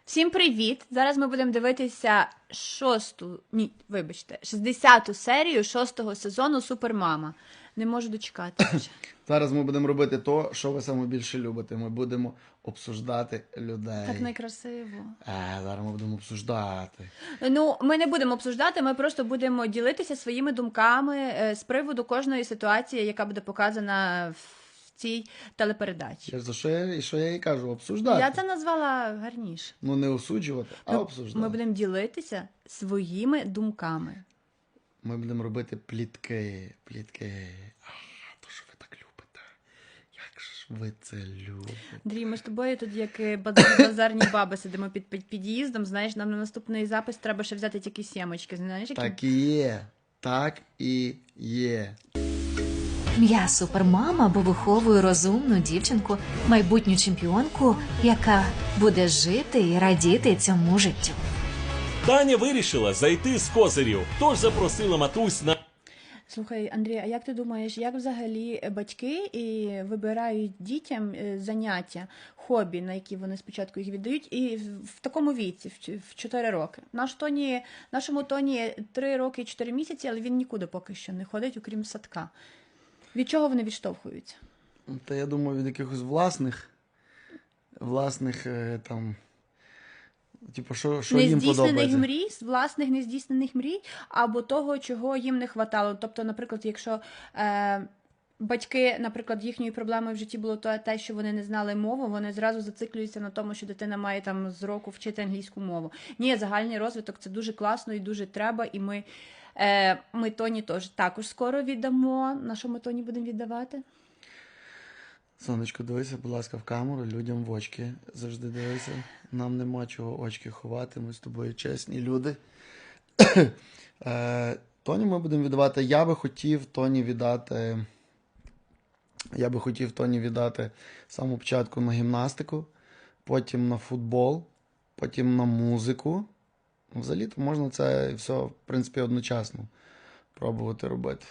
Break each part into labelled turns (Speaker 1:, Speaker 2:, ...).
Speaker 1: Всім привіт! Зараз ми будемо дивитися 60-ту серію 6-го сезону Супермама. Не можу дочекатися.
Speaker 2: Зараз ми будемо робити то, що ви саме більше любите. Ми будемо обсуждати людей.
Speaker 1: Так некрасиво.
Speaker 2: Зараз ми будемо обсуждати.
Speaker 1: Ну, ми не будемо обсуждати, ми просто будемо ділитися своїми думками з приводу кожної ситуації, яка буде показана в цій телепередачі.
Speaker 2: За що я їй кажу? Обсуждати.
Speaker 1: Я це назвала гарніше.
Speaker 2: Ну не осуджувати, а обсуждати.
Speaker 1: Ми будемо ділитися своїми думками.
Speaker 2: Ми будемо робити плітки. То, що ви так любите. Як ж ви це любите?
Speaker 1: Андрій, ми з тобою тут як базарні баби сидимо під під'їздом, знаєш, нам на наступний запис треба ще взяти тільки сімочки, знаєш, які...
Speaker 2: Так і є. Так і є.
Speaker 3: Я супермама, бо виховую розумну дівчинку, майбутню чемпіонку, яка буде жити і радіти цьому життю.
Speaker 4: Таня вирішила зайти з козирів, тож запросила матусь на...
Speaker 1: Слухай, Андрій, а як ти думаєш, як взагалі батьки вибирають дітям заняття, хобі, на які вони спочатку їх віддають, і в такому віці, в 4 роки? Нашому Тоні 3 роки і 4 місяці, але він нікуди поки що не ходить, окрім садка. Від чого вони відштовхуються?
Speaker 2: Та я думаю, від якихось власних там... Типу, що їм подобається?
Speaker 1: Власних нездійснених мрій, або того, чого їм не хватало. Тобто, наприклад, якщо батьки, наприклад, їхньою проблемою в житті було те, що вони не знали мову, вони зразу зациклюються на тому, що дитина має там з року вчити англійську мову. Ні, загальний розвиток – це дуже класно і дуже треба, і ми Тоні також скоро віддамо. На що ми Тоні будемо віддавати?
Speaker 2: Сонечко, дивися, будь ласка, в камеру, людям в очки завжди дивися. Нам нема чого очки ховати, ми з тобою чесні люди. Тоні ми будемо віддавати. Я би хотів Тоні віддати з самого початку на гімнастику, потім на футбол, потім на музику. Взагалі-то можна це все, в принципі, одночасно пробувати робити.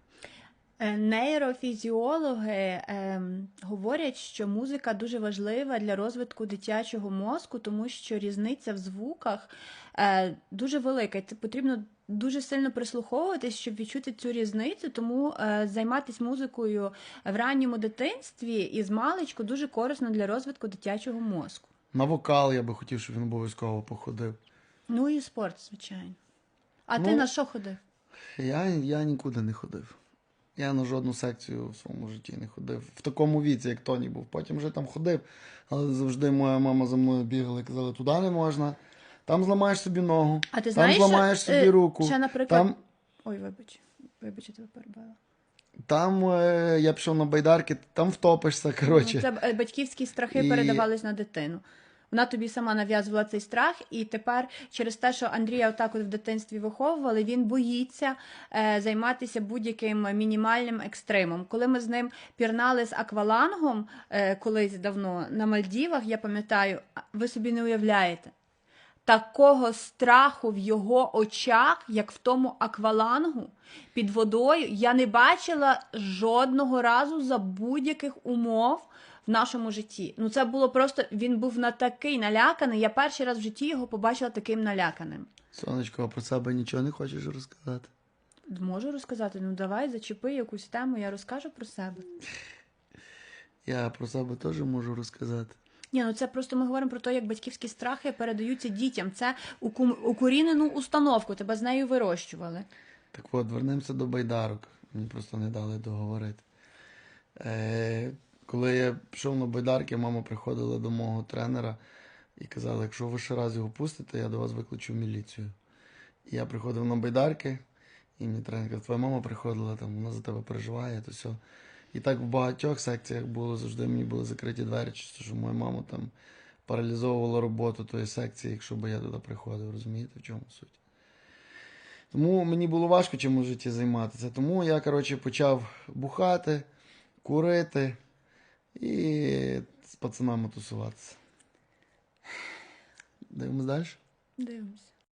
Speaker 1: Нейрофізіологи говорять, що музика дуже важлива для розвитку дитячого мозку, тому що різниця в звуках дуже велика. Це потрібно дуже сильно прислуховуватись, щоб відчути цю різницю, тому займатися музикою в ранньому дитинстві і з маличку дуже корисно для розвитку дитячого мозку.
Speaker 2: На вокал я би хотів, щоб він обов'язково походив.
Speaker 1: Ну і спорт, звичайно. А ти на що ходив?
Speaker 2: Я нікуди не ходив. Я на жодну секцію в своєму житті не ходив. В такому віці, як Тоні був. Потім вже там ходив, але завжди моя мама за мною бігала і казала, туди не можна, там зламаєш собі ногу,
Speaker 1: а ти
Speaker 2: там
Speaker 1: знаєш,
Speaker 2: зламаєш собі руку.
Speaker 1: Ще, наприклад...
Speaker 2: Там...
Speaker 1: Ой, вибач, я тебе перебила.
Speaker 2: Там я пішов на байдарки, там втопишся, коротше.
Speaker 1: Це батьківські страхи передавались на дитину. Вона тобі сама нав'язувала цей страх, і тепер через те, що Андрія отак от в дитинстві виховували, він боїться займатися будь-яким мінімальним екстримом. Коли ми з ним пірнали з аквалангом колись давно на Мальдівах, я пам'ятаю, ви собі не уявляєте, такого страху в його очах, як в тому аквалангу під водою, я не бачила жодного разу за будь-яких умов в нашому житті. Ну це було просто, він був такий наляканий, я перший раз в житті його побачила таким наляканим.
Speaker 2: Сонечко, а про себе нічого не хочеш розказати?
Speaker 1: Можу розказати, ну давай, зачепи якусь тему, я розкажу про себе.
Speaker 2: Я про себе теж можу розказати.
Speaker 1: Ні, ну це просто ми говоримо про те, як батьківські страхи передаються дітям. Це укорінену установку, тебе з нею вирощували.
Speaker 2: Так от, вернемося до байдарок. Мені просто не дали договорити. Коли я пішов на байдарки, мама приходила до мого тренера і казала, якщо ви ще раз його пустите, я до вас викличу міліцію. І я приходив на байдарки, і мій тренер каже, твоя мама приходила, там, вона за тебе переживає, то все. І так в багатьох секціях було, завжди мені були закриті двері, що моя мама там паралізовувала роботу тої секції, якщо б я туди приходив, розумієте, в чому суть. Тому мені було важко чим в житті займатися. Тому я, коротше, почав бухати, курити і з пацанами тусуватися. Дивимось далі?
Speaker 1: Дивимося.